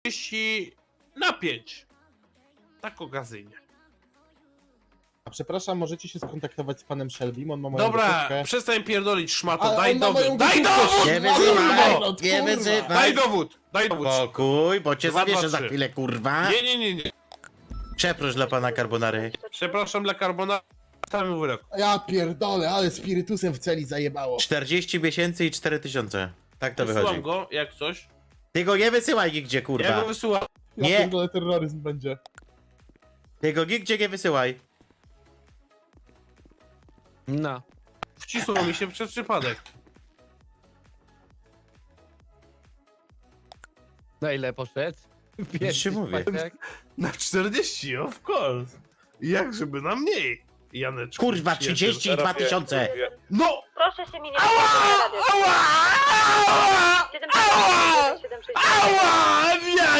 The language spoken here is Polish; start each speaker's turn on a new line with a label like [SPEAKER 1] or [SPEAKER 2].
[SPEAKER 1] 30 na 5. Tak okazyjnie.
[SPEAKER 2] A przepraszam, możecie się skontaktować z panem Shelbym, on ma moją
[SPEAKER 1] Dobra,
[SPEAKER 2] gotówkę.
[SPEAKER 1] przestań pierdolić szmato,
[SPEAKER 2] Ale
[SPEAKER 1] daj
[SPEAKER 2] on ma moją
[SPEAKER 1] dowód, daj
[SPEAKER 2] gotówkę,
[SPEAKER 1] dowód!
[SPEAKER 3] Nie
[SPEAKER 2] kurwa,
[SPEAKER 3] wyzywaj,
[SPEAKER 2] kurwa,
[SPEAKER 3] nie
[SPEAKER 2] kurwa.
[SPEAKER 3] wyzywaj.
[SPEAKER 1] Daj dowód, daj dowód.
[SPEAKER 3] Spokój, bo cię
[SPEAKER 1] 2, 2,
[SPEAKER 3] zawieszę za
[SPEAKER 1] 3.
[SPEAKER 3] chwilę, kurwa.
[SPEAKER 1] Nie.
[SPEAKER 3] Przeproś dla pana Carbonary.
[SPEAKER 1] Przepraszam dla Carbona, stawiam wyrok.
[SPEAKER 2] Ja pierdolę, ale spirytusem w celi zajebało.
[SPEAKER 3] 40 miesięcy i 4000. Tak to wychodzi.
[SPEAKER 1] Wysyłam go, jak coś.
[SPEAKER 3] Ty go nie wysyłaj nigdzie,
[SPEAKER 1] Ja
[SPEAKER 3] kurwa.
[SPEAKER 1] go wysyłam.
[SPEAKER 2] Ja
[SPEAKER 3] Nie.
[SPEAKER 2] pierdolę, terroryzm będzie.
[SPEAKER 3] Ty go nigdzie nie wysyłaj.
[SPEAKER 4] No.
[SPEAKER 1] Wcisło mi się przez przypadek.
[SPEAKER 4] Na ile poszedł?
[SPEAKER 3] Już mówię.
[SPEAKER 1] Na 40, of course. Jak żeby na mniej, Janeczku.
[SPEAKER 3] Kurwa, 32 000.
[SPEAKER 1] No!
[SPEAKER 5] Proszę się mi nie
[SPEAKER 1] Ała! Ała! Ała!
[SPEAKER 5] 767
[SPEAKER 1] Ała!